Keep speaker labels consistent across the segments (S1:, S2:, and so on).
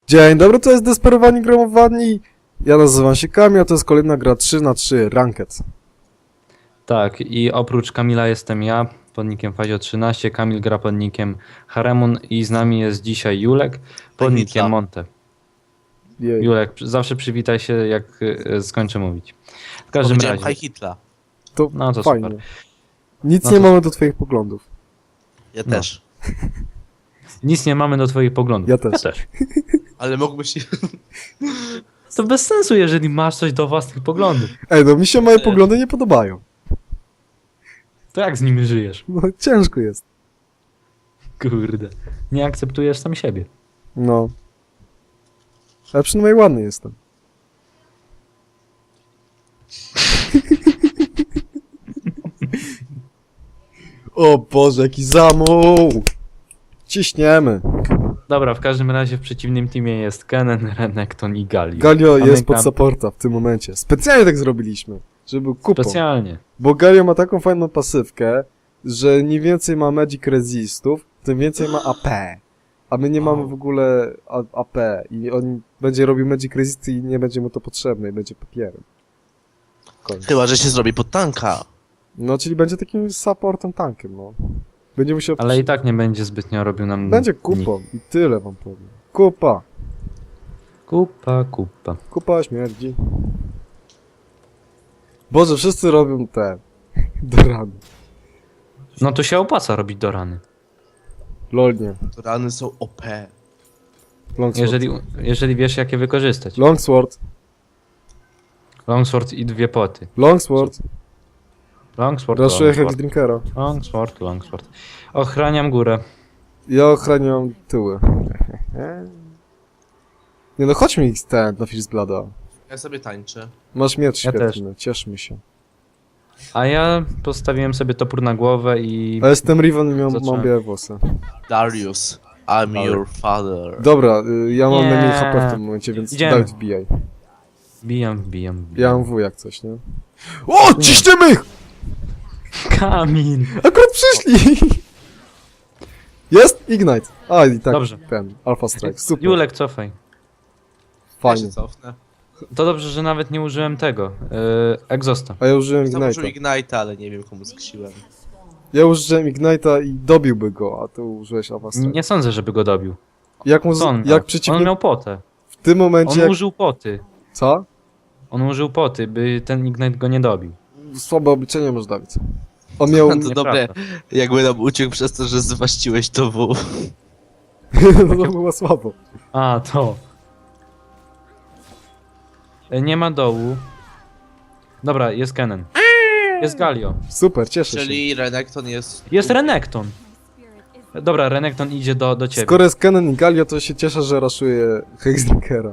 S1: Dzień dobry, to jest Desperowani Gromowani. Ja nazywam się Kamil, a to jest kolejna gra 3x3 Ranked.
S2: Tak, i oprócz Kamila jestem ja, pod nickiem Fazio13, Kamil gra pod nickiem Haremon i z nami jest dzisiaj Julek, pod nickiem Monte.
S1: Jej.
S2: Julek, zawsze przywitaj się, jak skończę mówić. W każdym razie,
S3: High Hitla.
S1: To,
S2: No to
S1: fajnie.
S2: super.
S1: Nic
S2: No
S1: nie
S2: to-
S1: mamy do twoich poglądów.
S3: Ja
S2: No.
S3: też.
S2: nic nie mamy do twoich poglądów.
S1: Ja też.
S3: Ale mógłbyś...
S2: To bez sensu, jeżeli masz coś do własnych poglądów.
S1: Ej, no mi się moje poglądy nie podobają.
S2: To jak z nimi żyjesz?
S1: No ciężko jest.
S2: Kurde. Nie akceptujesz sam siebie.
S1: No. Ale przynajmniej ładny jestem. O Boże, jaki zamuł! Ciśniemy.
S2: Dobra, w każdym razie w przeciwnym teamie jest Kenen, Renekton i Galio.
S1: Galio
S2: A my
S1: jest pod
S2: gram-
S1: supporta w tym momencie. Specjalnie tak zrobiliśmy, żeby był kupą.
S2: Specjalnie.
S1: Bo Galio ma taką fajną pasywkę, że im więcej ma Magic Resistów, tym więcej ma AP. A my nie mamy w ogóle AP i on będzie robił Magic Resisty i nie będzie mu to potrzebne i będzie papierem. Koniec.
S3: Chyba, że się zrobi pod tanka.
S1: No, czyli będzie takim supportem tankiem, no. Będzie musiał...
S2: Ale i tak nie będzie zbytnio robił nam...
S1: Będzie
S2: nic.
S1: kupą i tyle wam powiem. Kupa.
S2: Kupa, kupa.
S1: Kupa śmierdzi. Boże, wszyscy robią te... do rany.
S2: No to się opłaca robić do rany.
S1: Lol nie.
S3: Rany są OP.
S1: Longsword.
S2: Jeżeli wiesz, jak je wykorzystać.
S1: Longsword.
S2: Longsword i dwie poty.
S1: Longsword.
S2: Longsword,
S1: Raszuję Heavy
S2: longsword.
S1: Drinkera.
S2: Longsword, longsword. Ochraniam górę.
S1: Ja ochraniam tyły. Nie no, chodź mi ten na Fizzblada.
S3: Ja sobie tańczę.
S1: Masz miecz
S2: Ja
S1: świetny, cieszmy się.
S2: A ja postawiłem sobie topór na głowę i...
S1: A jestem Riven i mam
S2: Zacząłem.
S1: białe włosy.
S3: Darius, I'm your father.
S1: Dobra, ja mam
S2: Nie.
S1: najmniej HP w tym momencie, więc
S2: Idziemy.
S1: Dawid wbijaj.
S2: Wbijam.
S1: Ja mam W jak coś, nie? O, ciśniemy ich!
S2: Kamil!
S1: Akurat przyszli! Jest? Ignite. A, i tak,
S2: Dobrze.
S1: ten, Alpha Strike, super,
S2: Julek, cofaj.
S3: Ja
S1: fajnie.
S3: się cofnę.
S2: To dobrze, że nawet nie użyłem tego. Exhausta.
S1: A ja użyłem
S3: Założył
S1: Ignite'a.
S3: Ignite'a, ale nie wiem komu skisiłem.
S1: Ja użyłem Ignite'a i dobiłby go, a ty użyłeś Alpha Strike.
S2: Nie sądzę, żeby go dobił.
S1: Jak mu,
S2: Co on miał?
S1: jak
S2: On
S1: przeciwnik
S2: miał potę.
S1: w tym momencie,
S2: On
S1: jak...
S2: użył poty.
S1: Co?
S2: On użył poty, by ten Ignite go nie dobił.
S1: Słabe obliczenie masz, Dawid. On miał...
S3: To
S2: Nieprawda.
S3: dobre, jakby nam uciekł przez to, że zwaściłeś to W.
S1: no to było słabo.
S2: A, to. Nie ma dołu. Dobra, jest Kennen. Jest Galio.
S1: Super, cieszę się.
S3: Czyli Renekton jest...
S2: Jest Renekton. Dobra, Renekton idzie do ciebie.
S1: Skoro jest Kennen i Galio, to się cieszę, że raszuje Hexdrinkera.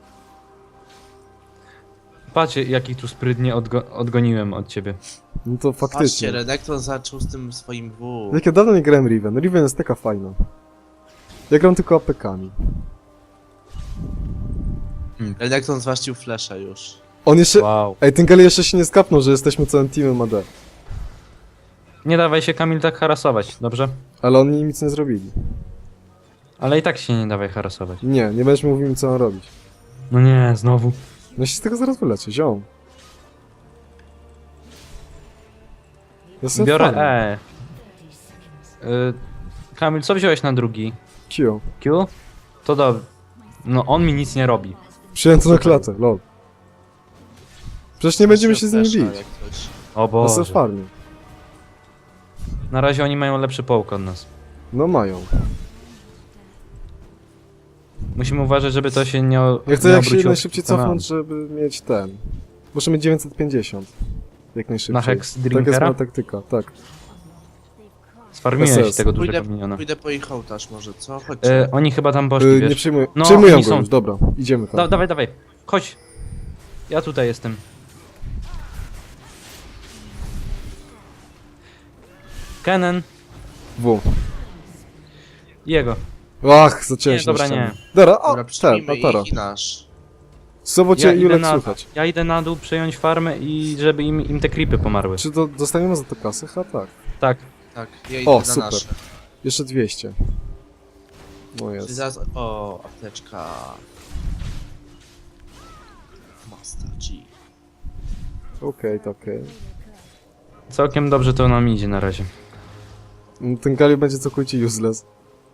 S2: Patrzcie, jakich tu sprytnie odgoniłem od ciebie.
S1: No to
S3: Patrzcie,
S1: faktycznie.
S3: Renekton zaczął z tym swoim W.
S1: Jak ja dawno nie grałem Riven. Riven jest taka fajna. Ja gram tylko APK-ami.
S3: Renekton zwaścił Flesza już.
S1: On jeszcze...
S2: Wow.
S1: Ej, ten Galio jeszcze się nie skapnął, że jesteśmy całym teamem AD.
S2: Nie dawaj się, Kamil, tak harasować, dobrze?
S1: Ale oni nic nie zrobili.
S2: Ale i tak się nie dawaj harasować.
S1: Nie będziesz mi mówił mi co mam robić.
S2: No nie, znowu.
S1: No się z tego zaraz wyleczę, ziom. Jestem
S2: Biorę
S1: fanem.
S2: E. Kamil, co wziąłeś na drugi?
S1: Q.
S2: Q? To dobrze. No on mi nic nie robi.
S1: Przyjąłem to na klatę, lol. Przecież nie będziemy się z nimi
S3: Flesza,
S1: bić.
S3: jak coś.
S2: O
S1: To są
S2: Boże.
S1: farmy.
S2: Na razie oni mają lepszy połk od nas.
S1: No mają.
S2: Musimy uważać, żeby to się nie
S1: Ja chcę
S2: nie
S1: jak się
S2: obróciło
S1: najszybciej
S2: przeciwko nam.
S1: cofnąć, żeby mieć ten. Muszę mieć 950. Jak najszybciej.
S2: Na Hex
S1: Tak jest
S2: Drinkera?
S1: moja taktyka, tak.
S2: Sfarmiłeś
S1: SS.
S2: tego dużego miniona.
S3: Pójdę po ich ołtarz może, co? Chodźcie.
S2: Oni chyba tam poszli,
S1: Nie
S2: wiesz?
S1: przyjmuję.
S2: No,
S1: Przyjmują
S2: oni
S1: go
S2: są.
S1: już, dobra. Idziemy tam.
S2: Dawaj. Chodź. Ja tutaj jestem. Kennen.
S1: W.
S2: Jego.
S1: Ach, zacząłem
S2: Nie,
S1: się
S2: dobra,
S1: na ścianę.
S2: nie.
S1: Dobra, o,
S3: Dobra,
S1: ten,
S3: przyjmijmy
S1: Atara.
S3: ich i nasz.
S1: Słabo cię Julek słychać.
S2: Ja idę na dół przejąć farmę i żeby im te creepy pomarły.
S1: Czy dostaniemy za to kasy? Ha, tak.
S2: Tak.
S3: Tak, ja idę
S1: O,
S3: na
S1: super.
S3: nasze.
S1: Jeszcze 200. No
S3: Czyli
S1: jest.
S3: zaraz... O, apteczka. Master G.
S1: Okej, to okej.
S2: Całkiem dobrze to nam idzie na razie.
S1: No, ten Galio będzie całkowicie useless.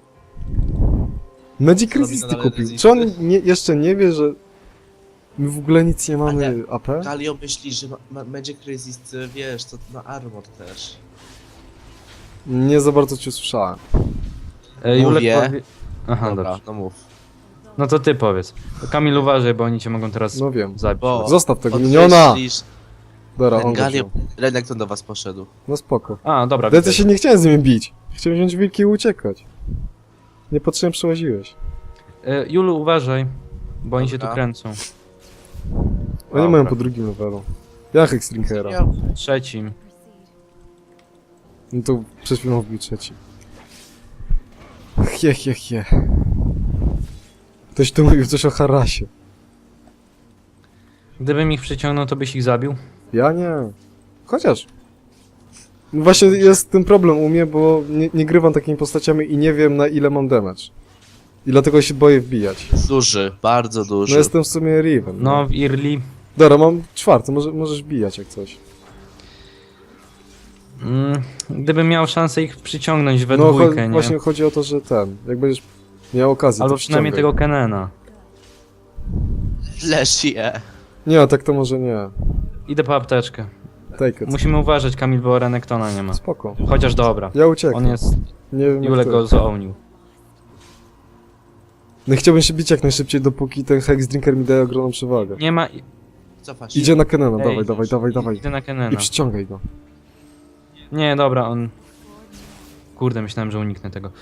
S1: Magic
S3: Robi
S1: Resisty
S3: nadal
S1: kupił.
S3: resisty.
S1: Czy on jeszcze nie wie, że my w ogóle nic nie mamy AP?
S3: Galio myśli, że Magic Resist, wiesz, to na armor też.
S1: Nie za bardzo cię usłyszałem.
S2: Julek
S3: Mówię.
S2: powie... Aha,
S3: Dobra,
S2: dobrze.
S3: no mów.
S2: No to ty powiedz. Kamil, uważaj, bo oni cię mogą teraz
S1: No wiem.
S2: zabić.
S3: Bo
S1: Zostaw tego miniona!
S3: podkreślisz,
S1: Dobra,
S3: ten
S1: on go
S3: Galio...
S1: wziął.
S3: Renekton do was poszedł.
S1: No spoko.
S2: A, dobra,
S1: Ale ja
S2: widzę.
S1: się nie chciałem z nimi bić. Chciałem wziąć wilki i uciekać. Niepotrzebnie przełaziłeś.
S2: Julu, uważaj, bo oni się tu
S3: Dobra.
S2: kręcą.
S1: Oni
S2: Dobra.
S1: mają po drugim levelu. Ja Hexdrinkera.
S3: Ja,
S2: Trzecim.
S1: No to przed chwilą wbił trzeci. He. Ktoś tu mówił coś o harasie.
S2: Gdybym ich przyciągnął, to byś ich zabił?
S1: Ja nie. Chociaż. No właśnie jest ten problem u mnie, bo nie grywam takimi postaciami i nie wiem na ile mam damage. I dlatego się boję wbijać.
S3: duży, bardzo duży.
S1: No jestem w sumie Riven.
S2: No, w Early...
S1: Dobra, mam czwarty, możesz bijać jak coś.
S2: Gdybym miał szansę ich przyciągnąć we
S1: No
S2: dwójkę, nie?
S1: właśnie chodzi o to, że jak będziesz miał okazję,
S2: Albo
S1: to
S2: przynajmniej
S1: ściągaj.
S2: tego Kenena.
S3: Flash je.
S1: Nie, tak to może nie.
S2: Idę po apteczkę.
S1: Take it.
S2: Musimy uważać, Kamil, bo Renektona nie ma.
S1: Spoko.
S2: Chociaż dobra.
S1: Ja uciekam.
S2: On jest...
S1: Nie wiem jak
S2: Julek
S1: ty.
S2: go zaonił.
S1: No chciałbym się bić jak najszybciej, dopóki ten Hexdrinker mi daje ogromną przewagę.
S2: Nie ma...
S3: Cofasz się.
S1: Idzie na Kenana,
S2: Ej,
S1: dawaj.
S2: Idę na Kenena.
S1: I przyciągaj go.
S2: Nie, dobra, on... Kurde, myślałem, że uniknę tego.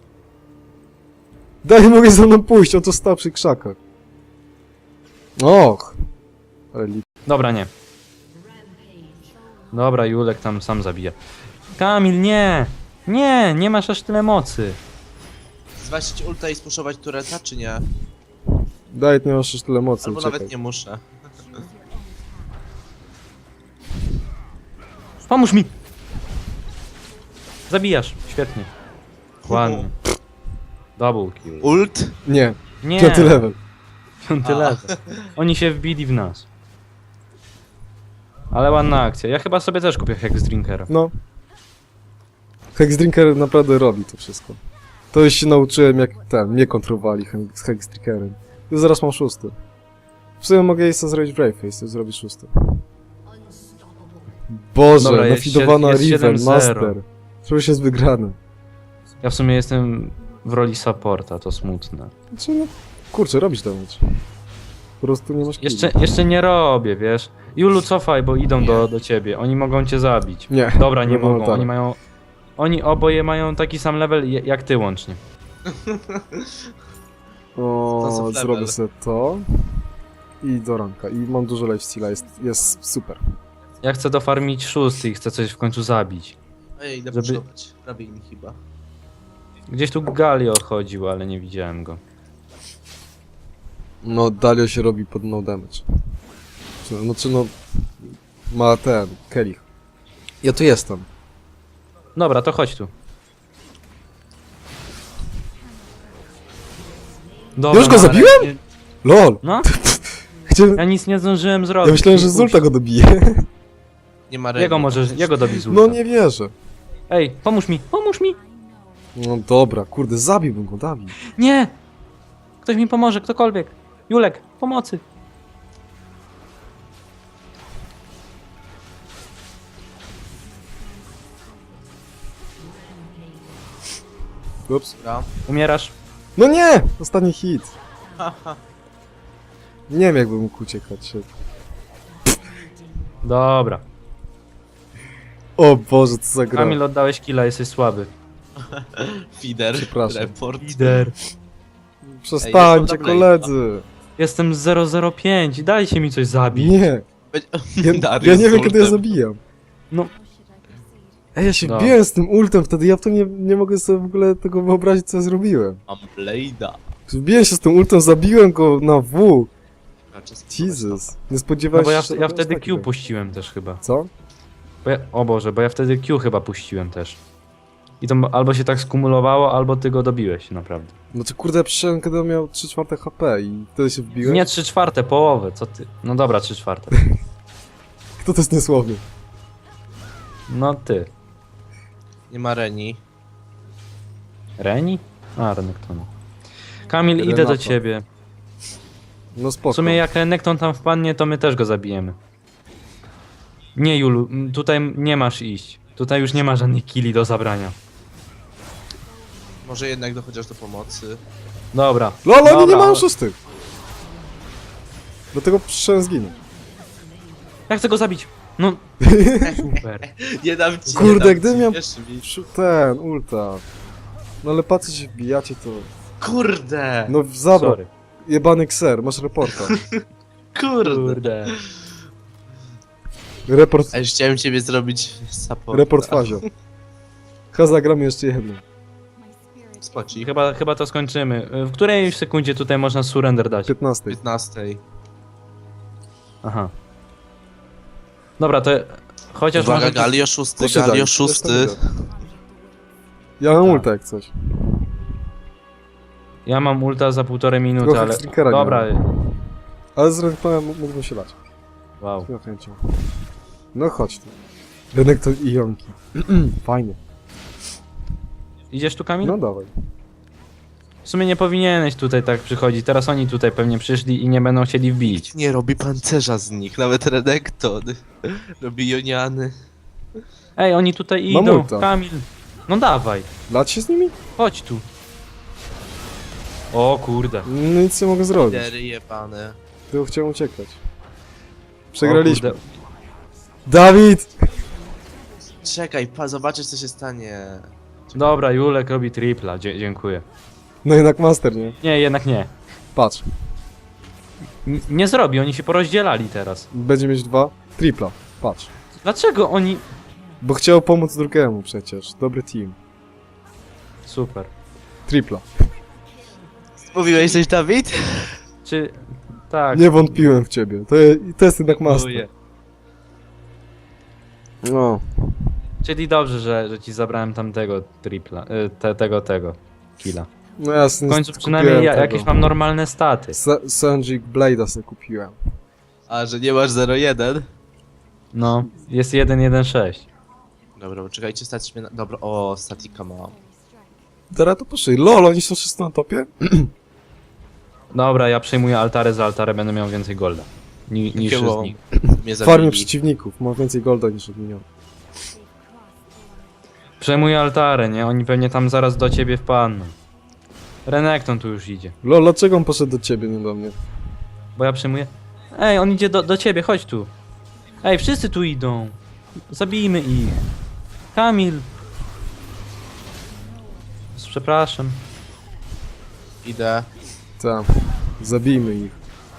S1: Daj, mogę za mną pójść, on to stał przy krzakach. Och. Ale
S2: Dobra, nie. Dobra, Julek tam sam zabija. Kamil, nie! Nie, nie masz aż tyle mocy.
S3: Zwasić ulta i spuszować tureta, czy nie?
S1: Daj, nie masz już tyle mocy,
S3: Albo
S1: uciekaj.
S3: nawet nie muszę.
S2: Pomóż mi! Zabijasz, świetnie. Ładnie. Double kill.
S3: Ult?
S1: Nie,
S2: Nie,
S1: 5 level.
S2: piąty
S3: A.
S2: level. Oni się wbili w nas. Ale ładna akcja. Ja chyba sobie też kupię Hexdrinkera.
S1: No. Hexdrinker naprawdę robi to wszystko. To już się nauczyłem jak mnie kontrolowali z Hexdrinkerem. Już zaraz mam 6. W sumie mogę jej sobie zrobić Braveface, to zrobić 6. Boże,
S2: Dobra, jest
S1: nafidowana
S2: jest
S1: Riven,
S2: 7-0.
S1: Master. To już jest wygrane.
S2: Ja w sumie jestem w roli supporta, to smutne.
S1: Znaczy, no, kurczę, robisz damage. Po prostu nie masz killi.
S2: Jeszcze nie robię, wiesz. Julu, cofaj, bo idą do ciebie. Oni mogą cię zabić.
S1: Nie.
S2: Dobra, nie
S1: Wolno
S2: mogą.
S1: tak.
S2: Oni mają... Oni oboje mają taki sam level jak ty łącznie.
S1: O,
S3: To są
S1: zrobię
S3: level.
S1: sobie to. I do ranka. I mam dużo lifesteala, jest super.
S2: Ja chcę dofarmić 6 i chcę coś w końcu zabić.
S3: Ej, idę
S2: Żeby-
S3: puszować. Prawie mi chyba.
S2: Gdzieś tu Galio chodził, ale nie widziałem go.
S1: No, Dalio się robi pod no damage. No, ma ten, Kelich. Ja tu jestem.
S2: Dobra, to chodź tu. Dobra,
S1: Już go
S2: no,
S1: zabiłem?
S2: ale nie-
S1: LOL!
S2: No,
S1: Chciałem...
S2: ja nic nie zdążyłem zrobić.
S1: Ja myślałem, że z ulta go dobije.
S3: Nie ma
S2: Jego dobi z ulta.
S1: No nie wierzę.
S2: Ej, pomóż mi, pomóż mi!
S1: No dobra, kurde, zabiłbym go, Dawid.
S2: Nie! Ktoś mi pomoże, ktokolwiek. Julek, pomocy.
S1: Ups.
S3: Dobra.
S2: Umierasz?
S1: No nie! Ostatni hit. Nie wiem, jakbym mógł uciekać.
S2: Dobra.
S1: O Boże, co za gra.
S2: Kamil, oddałeś killa, jesteś słaby.
S3: Feeder.
S1: Przepraszam.
S3: Report.
S2: Lider.
S1: Przestańcie,
S3: Ej,
S1: koledzy.
S2: Jestem 005, dajcie mi coś zabić.
S1: Nie. Ja
S3: Darius
S1: nie wiem,
S3: z
S1: kiedy ja
S3: ultem.
S1: zabijam.
S2: No.
S1: Ej, ja się
S2: No.
S1: biłem z tym ultem wtedy, ja w to nie mogę sobie w ogóle tego wyobrazić, co ja zrobiłem.
S3: Mam Blade'a.
S1: Wbiłem się z tym ultem, zabiłem go na W.
S3: Raczej spróbować
S1: Jesus.
S3: to.
S1: Nie
S2: No
S1: spodziewałem
S2: bo
S1: się,
S2: ja,
S1: że
S2: ja
S1: robią
S2: wtedy
S1: takiego.
S2: Q puściłem też chyba.
S1: Co?
S2: O Boże, bo ja wtedy Q chyba puściłem też. I to albo się tak skumulowało, albo ty go dobiłeś, naprawdę.
S1: No to kurde, przyszedłem, kiedy on miał 3/4 HP i wtedy się wbiłeś?
S2: Nie 3/4, połowę, co ty? No dobra, 3/4.
S1: Kto to jest niesłowny?
S2: No ty.
S3: Nie ma Reni.
S2: Reni? A, Renekton. Kamil, idę do
S1: Renata.
S2: ciebie.
S1: No spoko.
S2: W sumie jak Renekton tam wpadnie, to my też go zabijemy. Nie, Julu, tutaj nie masz iść. Tutaj już nie ma żadnych killi do zabrania.
S3: Może jednak chociaż do pomocy.
S2: Dobra.
S1: LOL, oni nie
S2: Dobra.
S1: mają szóstych! Dlatego przyszedłem zginąć.
S2: Jak chcę go zabić? No. Super.
S3: Nie dam ci,
S1: Kurde,
S3: nie dam
S1: gdybym
S3: ci,
S1: miał-
S3: wierz mi.
S1: Ten, ulta. No ale patrzcie się wbijacie to...
S3: Kurde!
S1: No zabrał.
S2: Sorry.
S1: Jebany kser, masz reporta.
S3: Kurde!
S1: Report,
S3: A już chciałem ciebie zrobić support.
S1: report Fazio. Zagramy jeszcze jedną.
S3: Spocik.
S2: Chyba to skończymy. W której sekundzie tutaj można surrender dać?
S1: 15.
S3: 15.
S2: Aha. Dobra, to chociaż
S3: Uwaga,
S2: może...
S3: Galio 6,
S1: To się
S3: Galio
S1: daj,
S3: 6.
S1: to jest tak. Ja mam
S2: Tak.
S1: ulta jak coś.
S2: Ja mam ulta za 1,5 minuty,
S1: Trochę
S2: ale...
S1: Strickera nie
S2: Dobra.
S1: Ale z Renektonem mógłbym się lać.
S2: Wow.
S1: Z chęcią. No chodź tu. Renekton i Jonki. Fajnie.
S2: Idziesz tu, Kamil?
S1: No dawaj.
S2: W sumie nie powinieneś tutaj tak przychodzić. Teraz oni tutaj pewnie przyszli i nie będą chcieli wbić.
S3: Nie robi pancerza z nich, nawet Renekton. Robi Joniany.
S2: Ej, oni tutaj
S1: Mam
S2: idą.
S1: ulta.
S2: Kamil. No dawaj.
S1: Lać się z nimi?
S2: Chodź tu. O kurde.
S1: No nic nie mogę zrobić.
S3: Lidery jebane.
S1: Tylko chciałem uciekać. Przegraliśmy.
S2: O kurde.
S1: Dawid!
S3: Czekaj, zobaczysz co się stanie.
S2: Dobra, Julek robi tripla. Dziękuję.
S1: No jednak master, nie?
S2: Nie, jednak nie.
S1: Patrz.
S2: Nie zrobi, oni się porozdzielali teraz.
S1: Będzie mieć 2. Tripla. Patrz.
S2: Dlaczego oni...
S1: Bo chciał pomóc drugiemu przecież. Dobry team.
S2: Super.
S1: Tripla.
S3: Mówiłeś coś, Dawid?
S2: Czy... Tak.
S1: Nie wątpiłem w ciebie. To jest jednak master.
S3: Dziękuję.
S1: No.
S2: Czyli dobrze, że ci zabrałem tamtego tripla. Tego killa.
S1: No ja
S2: W końcu przynajmniej jakieś mam normalne staty.
S1: Sanjik Blade'a sobie kupiłem.
S3: A, że nie masz 0-1?
S2: No, jest 1-1-6.
S3: Dobra, poczekajcie, stać mnie na... Dobra, o, statika mam.
S1: Teraz to poszli. LOL, oni są wszyscy na topie?
S2: Dobra, ja przejmuję altary za altare, będę miał więcej golda. Niż
S3: Jakiego
S2: z nich.
S3: mnie
S1: Farmie
S3: zabili.
S1: przeciwników. Ma więcej golda niż od minionów.
S2: Przejmuję altare, nie? Oni pewnie tam zaraz do ciebie wpadną. Renekton tu już idzie.
S1: LOL, dlaczego on poszedł do ciebie, nie do mnie?
S2: Bo ja przejmuję... Ej, on idzie do ciebie, chodź tu. Ej, wszyscy tu idą. Zabijmy ich. Kamil. Przepraszam.
S3: Idę.
S1: Tak. Zabijmy ich.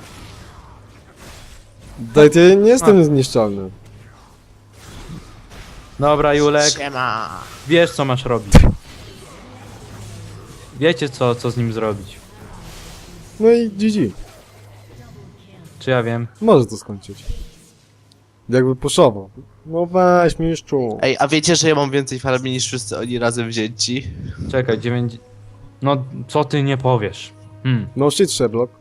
S1: Daj, ja nie jestem niezniszczalny.
S2: Dobra, Julek.
S3: Siema!
S2: Wiesz, co masz robić. Wiecie, co z nim zrobić.
S1: No i GG.
S2: Czy ja wiem?
S1: Może to skończyć. Jakby puszował. No weź mistrzu.
S3: Ej, a wiecie, że ja mam więcej farmi niż wszyscy oni razem wzięci?
S2: Czekaj, 9... No, co ty nie powiesz?
S1: No shit, Sherlock.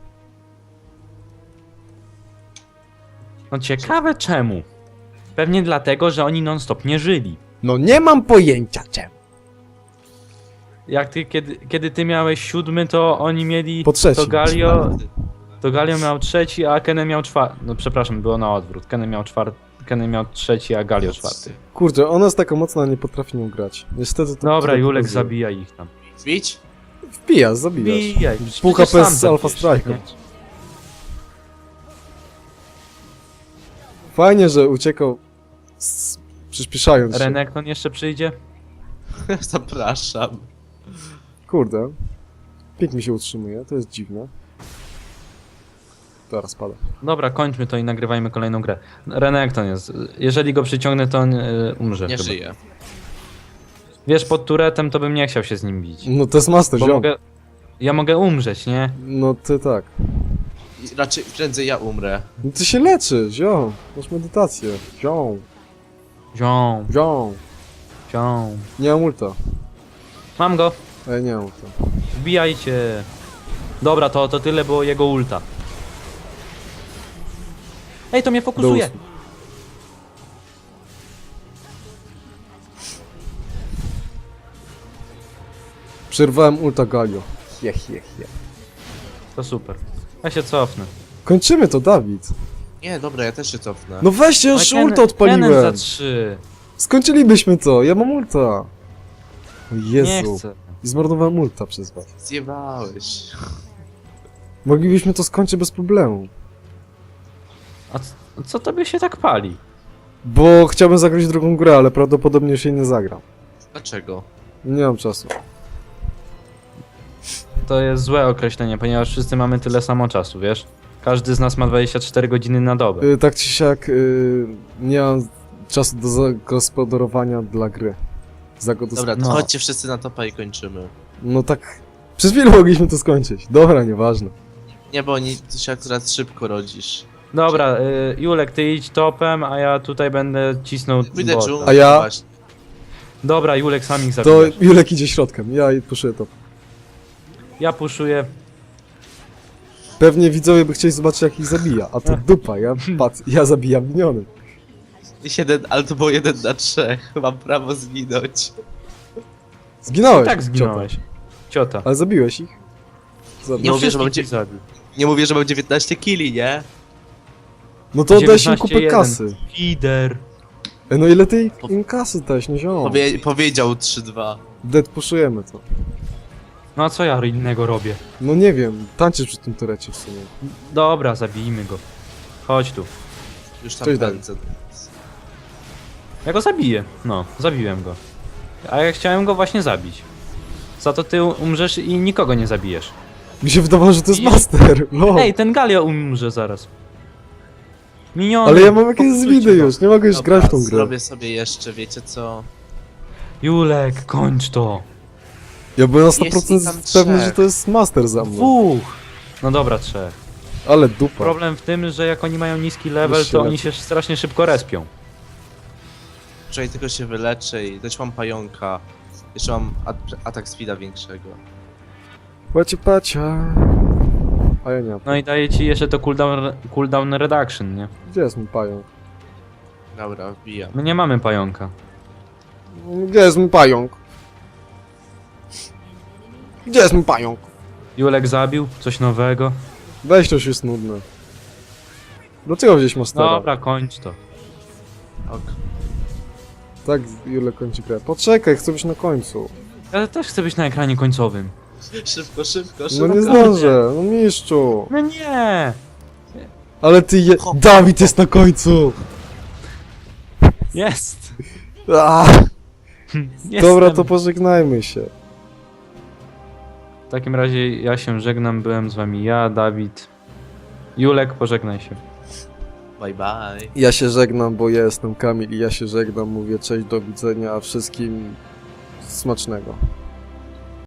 S2: No ciekawe czemu. Pewnie dlatego, że oni non-stop nie żyli.
S1: No nie mam pojęcia czemu.
S2: Jak ty, kiedy ty miałeś 7, to oni mieli...
S1: Po trzecim.
S2: To Galio miał 3, a Kenny miał 4. No przepraszam, było na odwrót. Kenny miał 3, a Galio 4.
S1: Kurczę, ona jest taka mocna, a nie potrafi nią grać. Niestety to...
S2: Dobra,
S1: to
S2: Julek
S1: pokazuje.
S2: zabija ich tam.
S3: Wbić?
S1: Wbijasz, zabijasz.
S2: Bijaj.
S1: Pół
S2: przecież
S1: HP
S2: sam
S1: z Alpha
S2: zabijesz,
S1: Strike'em.
S2: nie?
S1: Fajnie, że uciekał przyspieszając się.
S2: Renekton jeszcze przyjdzie?
S3: Zapraszam.
S1: Kurde. Pik mi się utrzymuje, to jest dziwne. Teraz pada.
S2: Dobra, kończmy to i nagrywajmy kolejną grę. Renekton jest. Jeżeli go przyciągnę, to on umrze
S3: Nie
S2: chyba.
S3: żyję.
S2: Wiesz, pod turetem to bym nie chciał się z nim bić.
S1: No to jest master,
S2: Bo
S1: ziom.
S2: ja mogę umrzeć, nie?
S1: No ty tak.
S3: I raczej prędzej ja umrę.
S1: No ty się leczy, ziom. Masz medytację. Ziom.
S2: Ziom,
S1: Ziom.
S2: ziom.
S1: Nie mam ulta.
S2: Mam go.
S1: A ja nie mam to.
S2: Wbijajcie. Dobra, to tyle było jego ulta. Ej, to mnie fokusuje.
S1: usług. Przerwałem ulta Galio. Jech.
S2: To super. Ja się cofnę.
S1: Kończymy to, Dawid.
S3: Nie, dobra, ja też się cofnę.
S1: No weźcie, już
S2: Ale
S1: ulta
S2: Kennen
S1: odpaliłem.
S2: za 3.
S1: Skończylibyśmy to, ja mam ulta. O
S2: Nie
S1: Jezu.
S2: chcę.
S1: I zmarnowałem ulta przez was.
S3: Zjebałeś.
S1: Moglibyśmy to skończyć bez problemu.
S2: A co tobie się tak pali?
S1: Bo chciałbym zagrać drugą grę, ale prawdopodobnie już jej nie zagram.
S3: Dlaczego?
S1: Nie mam czasu.
S2: To jest złe określenie, ponieważ wszyscy mamy tyle samo czasu, wiesz? Każdy z nas ma 24 godziny na dobę.
S1: Tak czy siak, nie mam czasu do zagospodarowania dla gry.
S3: Dobra, to
S2: No.
S3: chodźcie wszyscy na topa i kończymy.
S1: No tak, przez chwilę mogliśmy to skończyć. Dobra, nieważne.
S3: Nie, bo ty się akurat szybko rodzisz.
S2: Dobra, Julek, ty idź topem, a ja tutaj będę cisnął
S3: Pójdę
S2: bota.
S3: dżunglę,
S1: A ja?
S3: właśnie.
S2: Dobra, Julek, sam ich
S1: To
S2: zabijasz.
S1: Julek idzie środkiem, ja puszuję to.
S2: Ja puszuję.
S1: Pewnie widzowie by chcieli zobaczyć jak ich zabija, a to dupa, ja zabijam miniony.
S3: Ale to było 1 na 3. Mam prawo zginąć.
S1: Zginąłeś.
S2: Tak zginąłeś. Ciota.
S1: Ciota. Ale zabiłeś ich?
S3: Nie mówię, że mam
S2: wszystkich zabił.
S3: Nie mówię, że mam 19 killi, nie?
S1: No to oddałeś im
S2: 19-1.
S1: kupę kasy.
S2: Lider.
S1: No ile ty im kasy dałeś, nie zioło.
S3: Powiedział 3-2.
S1: Dead puszujemy to.
S2: No a co ja innego robię?
S1: No nie wiem, tańczysz przy tym turecie w sumie.
S2: Dobra, zabijmy go. Chodź tu.
S3: Już tam
S1: Cześć, Dawid.
S3: pędzę.
S2: Ja go zabiję. No, zabiłem go. A ja chciałem go właśnie zabić. Za to ty umrzesz i nikogo nie zabijesz.
S1: Mi się wydawało, że to jest
S2: I-
S1: master. No.
S2: Ej, ten Galio umrze zaraz. Miniony.
S1: Ale ja mam jakieś
S2: popsujcie
S1: zwidy
S2: go.
S1: już, nie mogę już
S3: Dobra,
S1: grać w tą grę.
S3: zrobię sobie jeszcze, wiecie co?
S2: Julek, kończ to.
S1: Ja byłem na
S3: Jest ich
S1: 100%
S3: tam
S1: pewny,
S3: trzech.
S1: że to jest master za mną.
S2: Dwóch. No dobra, 3.
S1: Ale dupa.
S2: Problem w tym, że jak oni mają niski level,
S1: Już się
S2: to oni
S1: leczy.
S2: się strasznie szybko respią.
S3: Wczoraj tylko się wyleczę i też mam pająka. Jeszcze mam atak speeda większego.
S1: Pacia. A ja nie mam.
S2: No i daje ci jeszcze to cooldown reduction, nie?
S1: Gdzie jest mój pająk?
S3: Dobra, wbijam.
S2: My nie mamy pająka.
S1: Gdzie jest mój pająk? Gdzie jest mój pająk?
S2: Julek zabił coś nowego.
S1: Weź to już jest nudne. Dlaczego wziąłeś mastera?
S2: Dobra, kończ to.
S3: Ok.
S1: Tak, Jule kończy grę. Poczekaj, chcę być na końcu.
S2: Ja też chcę być na ekranie końcowym.
S3: Szybko, szybko,
S1: No
S3: szybko.
S1: nie zdążę, no mistrzu.
S2: No nie!
S1: Ale ty Dawid jest na końcu!
S2: Jest!
S1: Dobra,
S2: Jestem.
S1: to pożegnajmy się.
S2: W takim razie ja się żegnam, byłem z wami ja, Dawid. Julek, pożegnaj się.
S3: Bye bye.
S1: Ja się żegnam, bo ja jestem Kamil i ja się żegnam, mówię cześć, do widzenia, a wszystkim smacznego.